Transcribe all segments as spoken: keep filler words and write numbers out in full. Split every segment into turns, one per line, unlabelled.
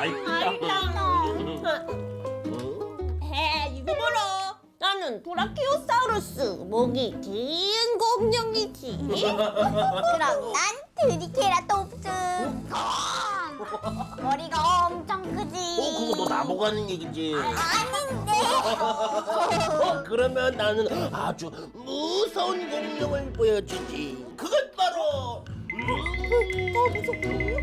해, 이거 봐라. 나는 브라키오사우루스, 목이 긴 공룡이지.
그럼 난 트리케라톱스. 머리가 엄청 크지.
어, 그거 너 나보고 하는 얘기지?
아닌데.
어, 그러면 나는 아주 무서운 공룡을 보여주지. 그것 바로
더 무섭군요.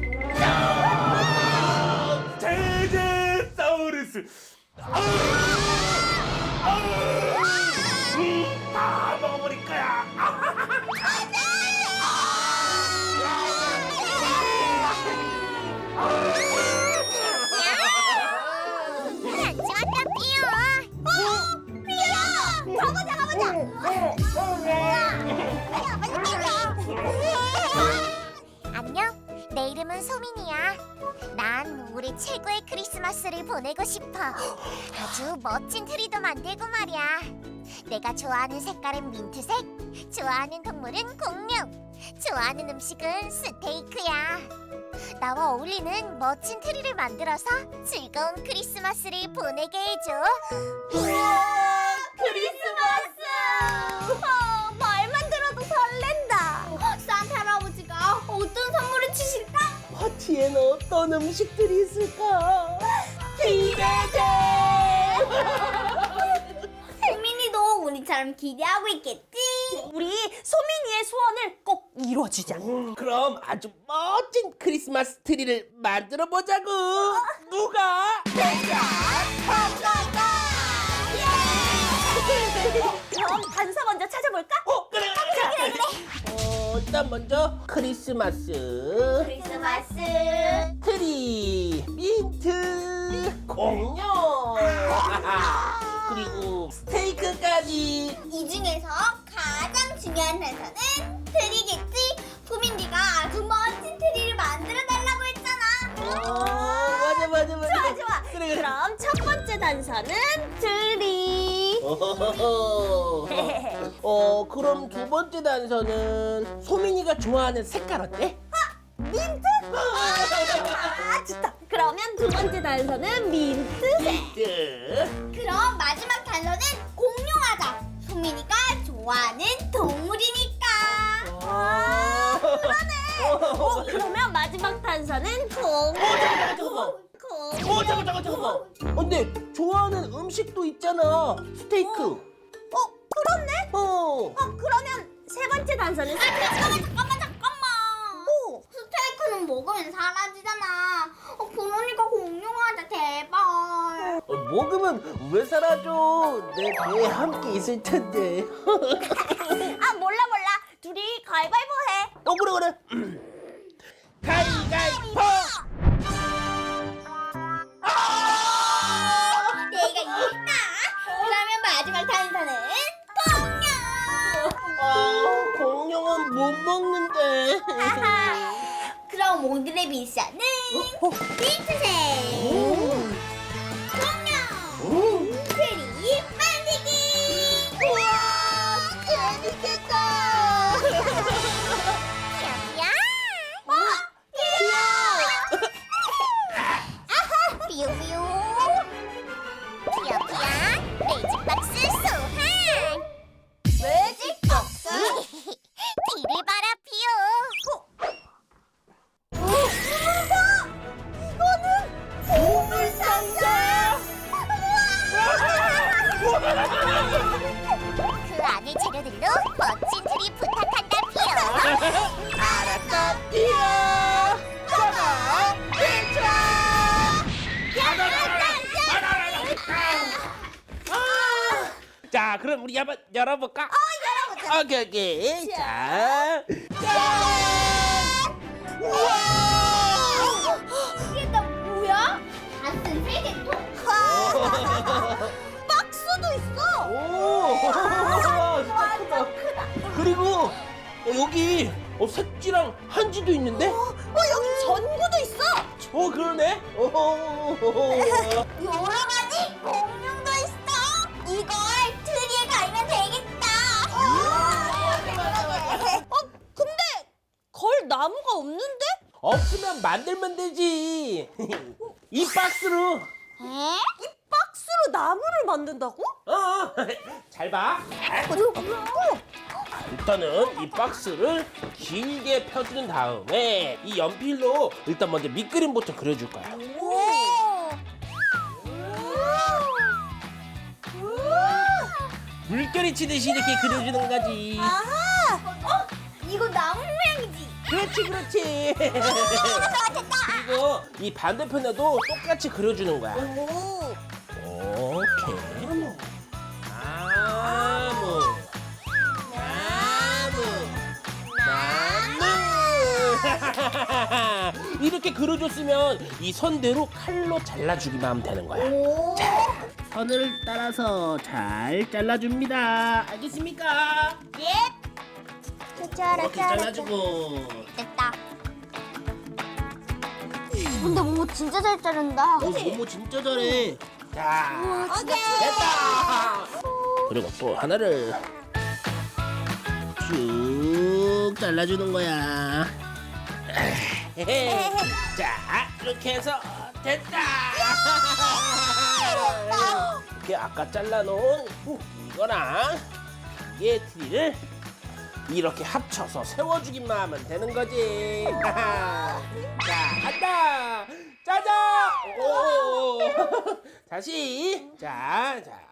제제사우루스. 다 먹어버릴 거야.
잠시만 피어. 어, 피어. 가보자 가보자. 안녕. 내 이름은 소민이야. 난 올해 최고의 크리스마스를 보내고 싶어. 아주 멋진 트리도 만들고 말이야. 내가 좋아하는 색깔은 민트색, 좋아하는 동물은 공룡, 좋아하는 음식은 스테이크야. 나와 어울리는 멋진 트리를 만들어서 즐거운 크리스마스를 보내게 해줘. 우와, 크리스마스! 어, 말만 들어도 설렌다. 산타 할아버지가 어떤 선물을 주실까?
파티엔 어떤 음식들이 있을까?
기대돼! 소민이도 우리처럼 기대하고 있겠지?
우리 소민이의 소원을 꼭 이뤄주자.
그럼 아주 멋진 크리스마스 트리를 만들어 보자고. 누가?
그럼 단서 먼저 찾아볼까?
어, 그래. 어, 일단 먼저 크리스마스
크리스마스
트리, 민트, 공룡, 그리고 스테이크까지.
이 중에서 가장 중요한 단서는 트리겠지? 소민이가 아주 멋진 트리를 만들어 달라고 했잖아.
어, 맞아 맞아 맞아.
좋아 좋아.
그래 그래.
그럼 첫 번째 단서는 트리.
어허허허. 어, 그럼 두 번째 단서는 소민이가 좋아하는 색깔 어때?
민트? 아 좋다. 그러면 두 번째 단서는 민트색.
민트.
그럼 마지막 단서는 공룡하자. 소민이가 좋아하는 동물이니까.
아 그러네. 어, 그러면 마지막 단서는 공.
잠깐만.
공.
어, 잠깐 잠깐 잠깐만. 어, 근데 좋아하는 음식도 있잖아. 스테이크.
어 그렇네.
어.
어 그러면 세 번째 단서는
아, 잠깐만 잠깐만 잠깐만.
오.
스테이크는 먹으면 사라지잖아. 어, 그러니까 공룡하자 제발.
어, 먹으면 왜 사라져? 내 배에 함께 있을 텐데.
아 몰라 몰라. 둘이 가위바위보 해.
어, 그래 그래. 가위가위보.
내가 이겼다. 그러면 마지막 단서는 공룡.
아, 공룡은 못 먹는데.
그럼 오늘의 미션은 민트색 공룡 트리 만들기. 우와 재밌겠다. 야 어? 아하 삐요삐요 삐요삐야 매직 박스 소환. 매직 박스? 뒤를 봐라 삐요. 이거는 보물 상자. 그 안의 재료들로 멋진 트리 부탁한다 삐요.
알았어, 뛰어. 가자, 자, 그럼 우리 한번 열어볼까? 어, 열어보자. 오케이, 오케이. 자, 짠! 우와!
이게 다 뭐야? 같은 세개통?
박스도 있어.
오! 와, 진짜 크다. 그리고 어, 여기 어, 색지랑 한지도 있는데?
어 여기 전구도 있어.
어, 그러네. 오.
여러 가지 공룡도 있어. 이걸 트리에 갈면 되겠다.
어 근데 걸 나무가 없는데?
없으면 만들면 되지. 이 박스로.
에?
이 박스로 나무를 만든다고?
어, 잘 봐. 일단은 이 박스를 길게 펴준 다음에 이 연필로 일단 먼저 밑그림부터 그려줄 거야. 물결이 치듯이 이렇게 그려주는 거지.
아하! 어? 이거 나무 모양이지?
그렇지, 그렇지. 그리고 이 반대편에도 똑같이 그려주는 거야.
오.
오케이. 나무. 나무. 나무. 이렇게 그려줬으면 이 선대로 칼로 잘라주기만 하면 되는 거야.
오.
선을 따라서 잘 잘라줍니다. 알겠습니까?
예. 짜라
이렇게 잘라주고.
됐다. 근데 뭐 진짜 잘 자른다.
어, 모모 진짜 잘해. 자,
오케이.
됐다. 그리고 또 하나를 쭉 잘라주는 거야. 자, 이렇게 해서 됐다. 이렇게 아까 잘라놓은 이거랑 이게 트리를 이렇게 합쳐서 세워주기만 하면 되는 거지. 자, 간다. 짜잔. 오. 다시. 자, 자,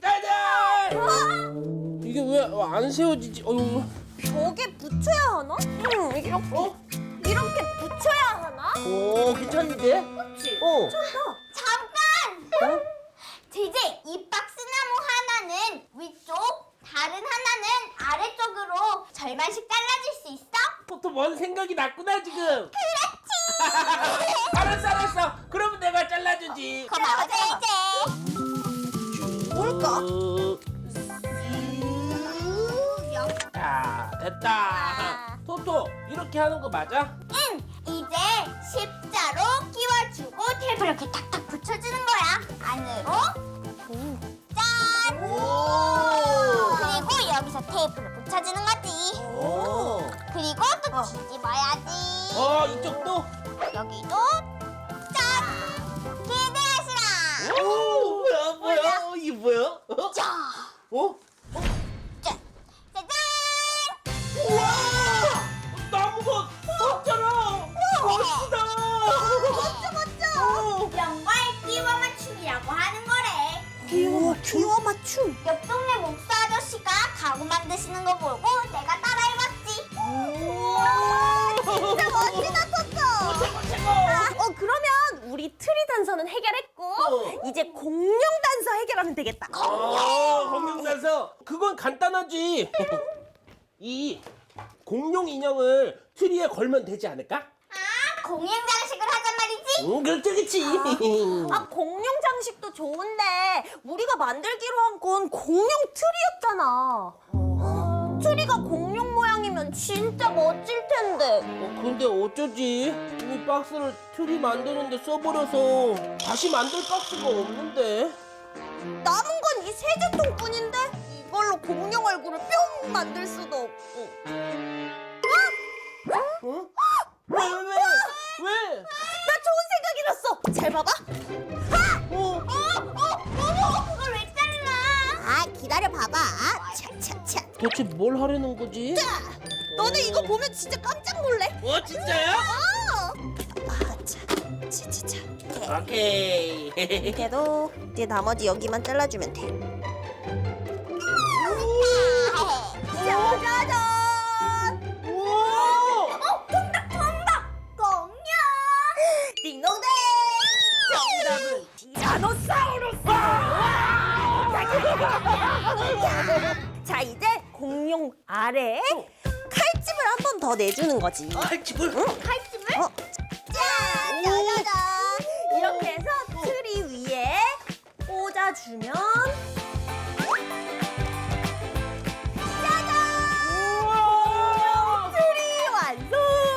짜잔. 이게 왜 안 세워지지? 어휴.
벽에 붙여야 하나? 응, 이렇게
어?
이렇게 붙여야 하나?
오, 괜찮은데?
그렇지.
어.
잠깐. 제제 이 박스 나무 하나는 위쪽, 다른 하나는 아래쪽으로 절반씩 잘라줄 수 있어?
또 뭔 생각이 났구나 지금. 그렇지. 알았어, 알았어. 그러면 내가 잘라주지.
고마워 제제.
뭘까?
자, 됐다. 토토, 이렇게 하는 거 맞아?
응. 이제 십자로 끼워주고 테이프 이렇게 탁탁 붙여주는 거야. 안으로. 짠.
오.
그리고 여기서 테이프를 붙여주는 거지.
오.
그리고 또 뒤집어야지.
어, 이쪽도?
여기도 짠. 기대하시라.
오, 뭐야, 뭐야? 어, 이게 뭐야? 어?
자.
어?
짠. 짜잔.
우와! 나무가 섰잖아! 멋지다!
멋져 멋져. 이런 걸 끼워 맞춤이라고 하는 거래.
끼워 끼워 맞춤.
옆 동네 목사 아저씨가 가구 만드시는 거 보고 내가 따라해봤지. 우와, 진짜 멋지다, 토토.
최고, 최고!
어 그러면 우리 트리 단서는 해결했고
어.
이제 공룡 단서 해결하면 되겠다.
아, 공룡 단서! 그건 간단하지! 이 공룡 인형을 트리에 걸면 되지 않을까?
아, 공연 장식을 하잔 말이지?
응, 그렇지, 그렇지!
아 공룡 장식도 좋은데 우리가 만들기로 한 건 공룡 트리였잖아. 트리가 공룡 모양이면 진짜 멋질 텐데.
어, 근데 어쩌지? 이 박스를 트리 만드는데 써버려서 다시 만들 박스가 없는데.
남은 건 이 세제통뿐인데 이걸로 공룡 얼굴을 뿅 만들 수도 없고.
어? 왜, 왜, 왜? 왜?
나 좋은 생각이 났어. 잘 봐봐.
어?
어머, 그걸 왜 잘라?
아 기다려 봐봐. 차차차.
도대체 뭘 하려는 거지?
너네 이거 보면 진짜 깜짝 놀래.
어, 진짜요?
어. 아, 자, 차차차.
오케이.
이렇게도 이제 나머지 여기만 잘라주면 돼. 짜자잔.
우와!
어, 정답, 정답! 공룡!
딩동댕. 정답은 티라노사우루스. 자 이제 공룡 아래에 칼집을 한 번 더 내주는 거지.
칼집을?
응?
칼집을?
어,
짠!
짜자잔. 이렇게 해서 트리 위에 꽂아주면
우와!
트리 완성.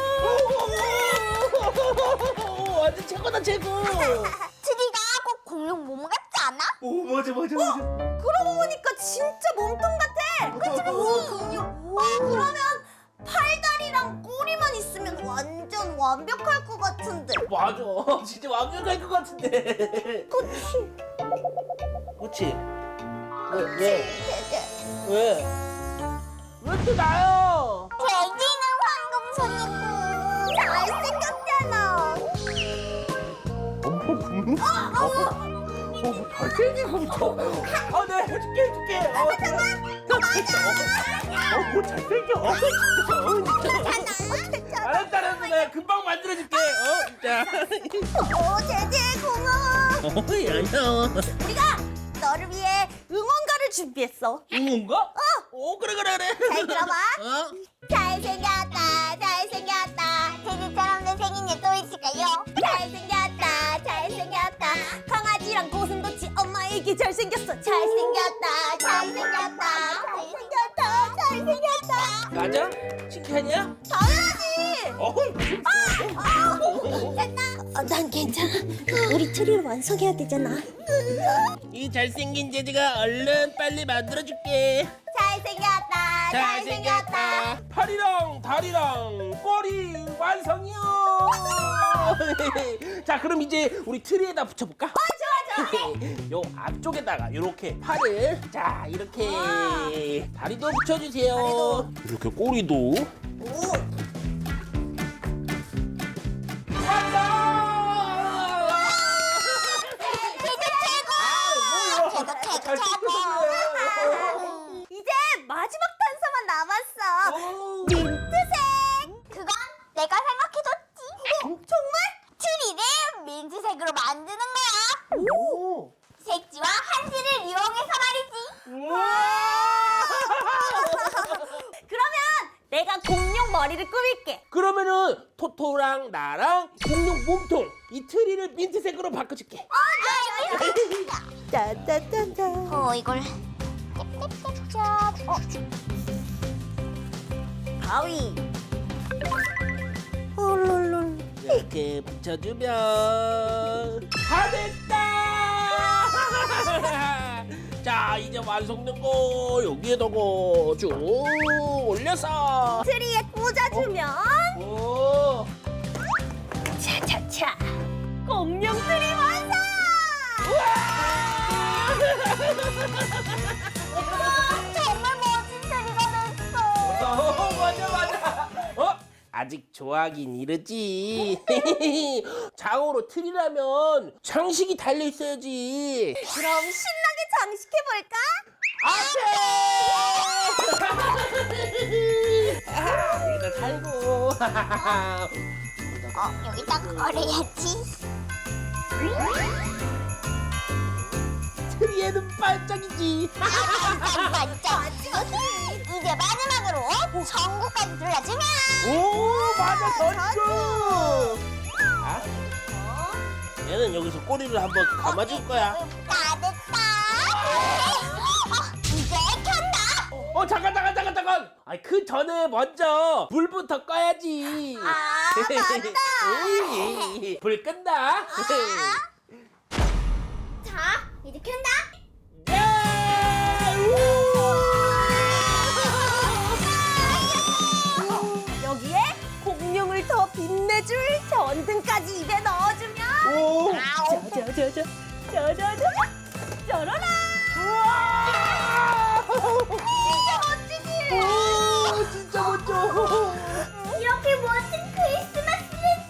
오, 완전 최고다, 최고.
트리가 꼭 공룡 몸 같지 않아?
오, 맞아, 맞아, 맞아.
그러고 보니까 진짜 몸통 같아. 그치? 오, 공룡. 어, 그러면 팔다리랑 꼬리만 있으면 완전 완 완벽할 것 같은데.
맞아. 진짜 완벽할 것 같은데.
그치?
그치? 왜? 왜?
제제.
왜? 왜 또 나요?
돼지는 황금손이고
잘생겼잖아.
어머, 음? 어, 어, 잘생기고 있어. 아, 네, 해줄게, 해줄게. 어, 어, 뭐 잘생겨. 어, 진짜. 알았다, 알았어. 내가 금방 만들어줄게. 어, 진짜.
오, 제제 고마워.
어, 야야.
우리가 너를 위해 응원가를 준비했어.
응원가? 어. 오, 그래, 그래, 그래.
잘 들어봐.
어?
잘생겼다 잘생겼다 돼지처럼 내 생일에 또 있을까요?
잘생겼다, 잘생겼다. 강아지랑 고슴도치 엄마에게 잘생겼어. 잘생겼다, 잘생겼다, 잘생겼다, 잘생겼다.
맞아? 칭찬이야?
당연하지.
어,
아, 난 괜찮아. 우리 트리를 완성해야 되잖아.
이 잘생긴 제지가 얼른 빨리 만들어줄게.
잘생겼다, 잘생겼다.
팔이랑 다리랑 꼬리 완성이요. 자, 그럼 이제 우리 트리에다 붙여볼까?
어, 좋아, 좋아.
요 앞쪽에다가 이렇게 팔을 자 이렇게
우와.
다리도 붙여주세요.
다리도.
이렇게 꼬리도.
오,
완성!
이제 마지막 단서만 남았어. 민트색.
그건 내가 생각해뒀지
어, 정말?
트리를 민트색으로 만드는 거야
오!
색지와 한지를 이용해서 말이지
그러면 내가 공룡 머리를 꾸밀게.
그러면은 토토랑 나랑 공룡 몸통 이 트리를 민트색으로 바꿔줄게.
짠짠짠짠.
어 이걸 짭짭짭짭 어
가위. 홀롤롤.
이렇게 붙여주면 다 됐다. 자, 이제 완성된 거 여기에다가 쭉 올려서.
트리에 꽂아주면
오.
차차차 공룡 트리 완성!
정말 멋진 트리가 됐어
어, 맞아, 맞아. 어? 아직 좋아하긴 이르지. 장어로 트리라면 장식이 달려 있어야지.
그럼 신나게 장식해볼까?
안돼. 아, 여기다 살고.
어 여기다 걸어야지
트리에는 반짝이지.
반짝 이제 마지막으로 전구까지 눌러주면
오, 맞아, 전주. 아,
어?
얘는 여기서 꼬리를 한번 감아줄 거야.
다 됐다 어, 이제 켠다
어, 잠깐, 잠깐, 잠깐, 잠깐. 아, 그 전에 먼저 불부터 꺼야지.
아, 맞다.
오이, 불 끈다.
자 이제 켠다
예!
여기에 공룡을 더 빛내줄 전등까지 입에 넣어주면
오!
짜자자자 짜자자 짜라라.
우와!
진짜 멋지지?
오, 진짜 멋져.
이렇게 멋진 크리스마스는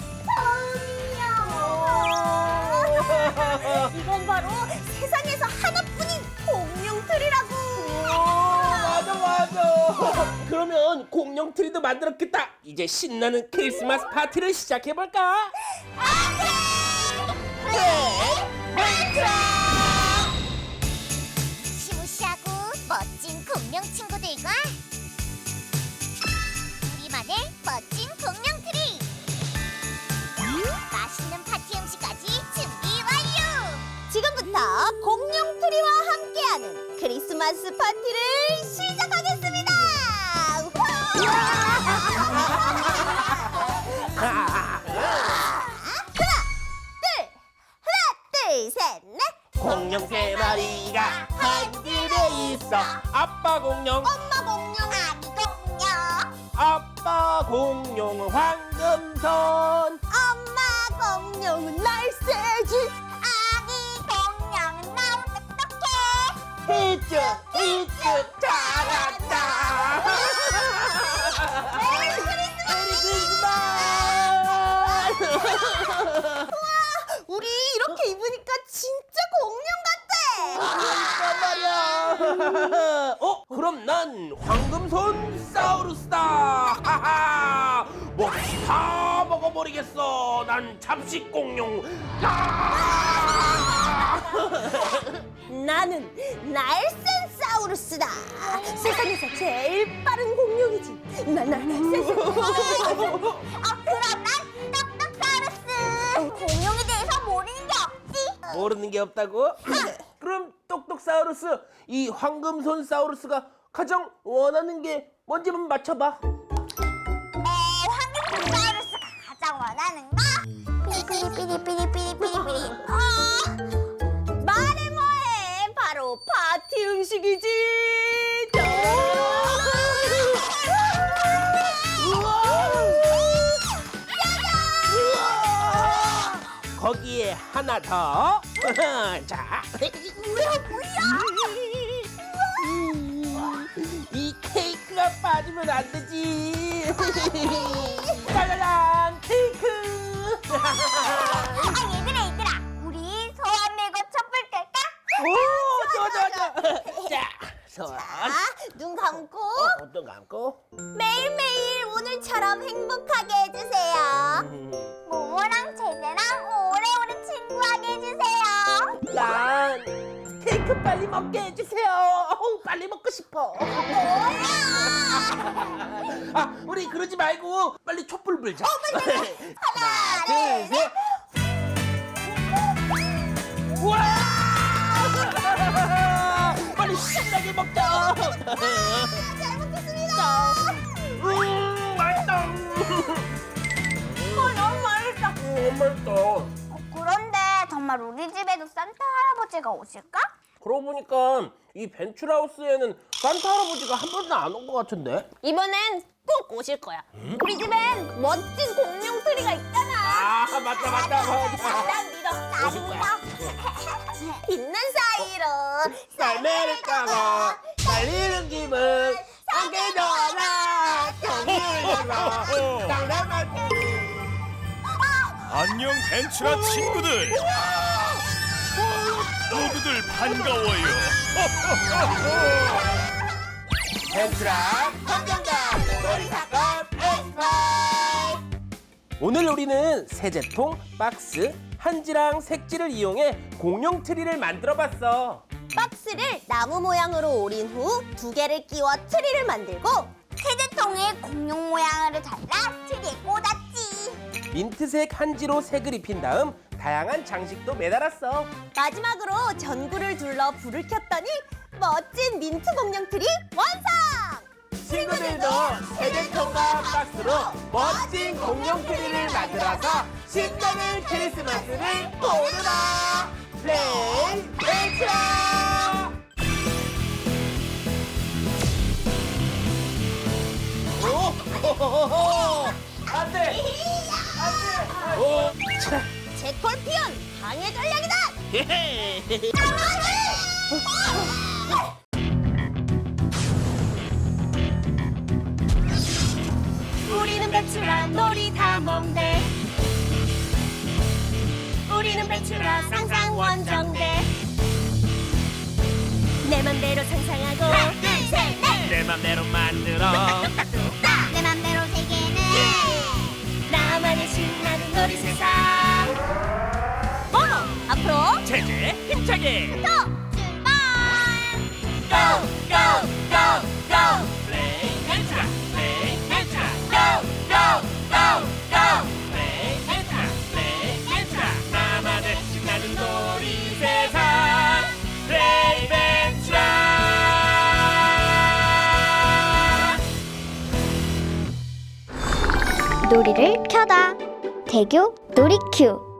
처음이야
이건 바로 세상에서 하나뿐인 공룡 트리라고.
맞아, 맞아. 그러면 공룡 트리도 만들었겠다. 이제 신나는 크리스마스 파티를 시작해볼까?
시무시하고 멋진 공룡 친구들과 우리만의 멋진 공룡 트리 맛있는 파티 음식까지 준비 완료
지금부터 공룡 트리와 함께하는 크리스마스 파티를 시작하겠습니다. 둘, 셋, 넷.
공룡 세 마리가 한 집에 있어. 아빠 공룡,
엄마 공룡 아기 공룡
아빠 공룡은 황금 황금손.
엄마 공룡은 날쌔지.
아기 공룡은 너무 똑똑해.
히쭉 히쭉 잘한다. 메리 크리스마스.
우리 이렇게 입으니까 진짜 공룡 같아.
그러니까 말이야. 어? 그럼 난 황금손 사우루스다. 하하. 먹이 다 먹어버리겠어. 난 잡식 공룡. 아!
나는 날쌘사우루스다. 세상에서 제일 빠른 공룡이지. 나날 날쌘.
어, 그럼 난 똑똑사우루스. 공룡에 대해서 모르는 게 없지.
모르는 게 없다고? 그럼 똑똑사우루스, 이 황금손 사우루스가 가장 원하는 게 뭔지 한번 맞춰봐.
어, 황금사우루스가 가장 원하는 거? 삐리삐리삐리삐리삐리삐리. 어,
말해 뭐해. 바로 파티 음식이지.
거기에 하나 더. 자,
뭐야 뭐야?
이 케이크가 빠지면 안 되지. 짜라란 케이크.
아 얘들아 얘들아, 우리 소원 밀고 촛불 끌까?
오, 좋아 좋아 좋아. 자, 소원.
자, 눈 감고
어, 어떤 거 감고?
매일매일 오늘처럼 행복하게 해주세요.
모모랑 제재랑 오래오래 친구하게 해주세요.
난 케이크 빨리 먹게 해주세요. 어우, 빨리 먹고 싶어.
뭐야?
아, 우리 그러지 말고 빨리 촛불 불자. 하나, 둘,
둘,
셋. 우와! 빨리 신나게 먹자.
잘 먹겠습니다.
음, 맛있다.
어, 너무 맛있다.
음, 맛있다.
어, 그런데 정말 우리 집에도 산타 할아버지가 오실까?
그러고 보니까 이 벤츄라우스에는 산타 할아버지가 한 번도 안 온 것 같은데?
이번엔 꼭 오실 거야. 우리 집엔 멋진 공룡 트리가 있잖아.
아, 맞다, 맞다, 맞다.
난 믿어.
오실 거야.
있는 사이로
썰매를 타고 달리는 기분 함께 놀아 경주에서 당당한
안녕 벤츄라 친구들. 모두들 반가워요.
벤츄라 함정다 놀이사건 엑스파일. 오늘 우리는 세제통, 박스, 한지랑 색지를 이용해 공룡 트리를 만들어봤어.
박스를 나무 모양으로 오린 후 두 개를 끼워 트리를 만들고
세제통에 공룡 모양으로 잘라 트리에 꽂았지.
민트색 한지로 색을 입힌 다음 다양한 장식도 매달았어.
마지막으로 전구를 둘러 불을 켰더니 멋진 민트 공룡 트리 완성!
친구들도 세제통과 박스로 멋진 공룡 트리를 만들어서 신나는 크리스마스를 보내라. 플레이 벤츄라. 오, 안돼, 안돼. 오, 차.
제콜피언 방해 전략이다!
헤헤.
우리는 벤츄라 놀이다 몽대. 우리는 벤츄라 상상 원정대. 내 맘대로 상상하고 하나 둘셋넷
내 맘대로 만들어.
내 맘대로 세계는
나만의 신나는 놀이 세상. 모모 앞으로
제재 힘차게.
또 출발.
go go go go.
플레이 벤츄라. 플레이 벤츄라. go go go go. 플레이 벤츄라. 플레이 벤츄라. 나만의 신나는 놀이 세상. 플레이 벤츄라.
놀이를 켜다. 대교 놀이큐.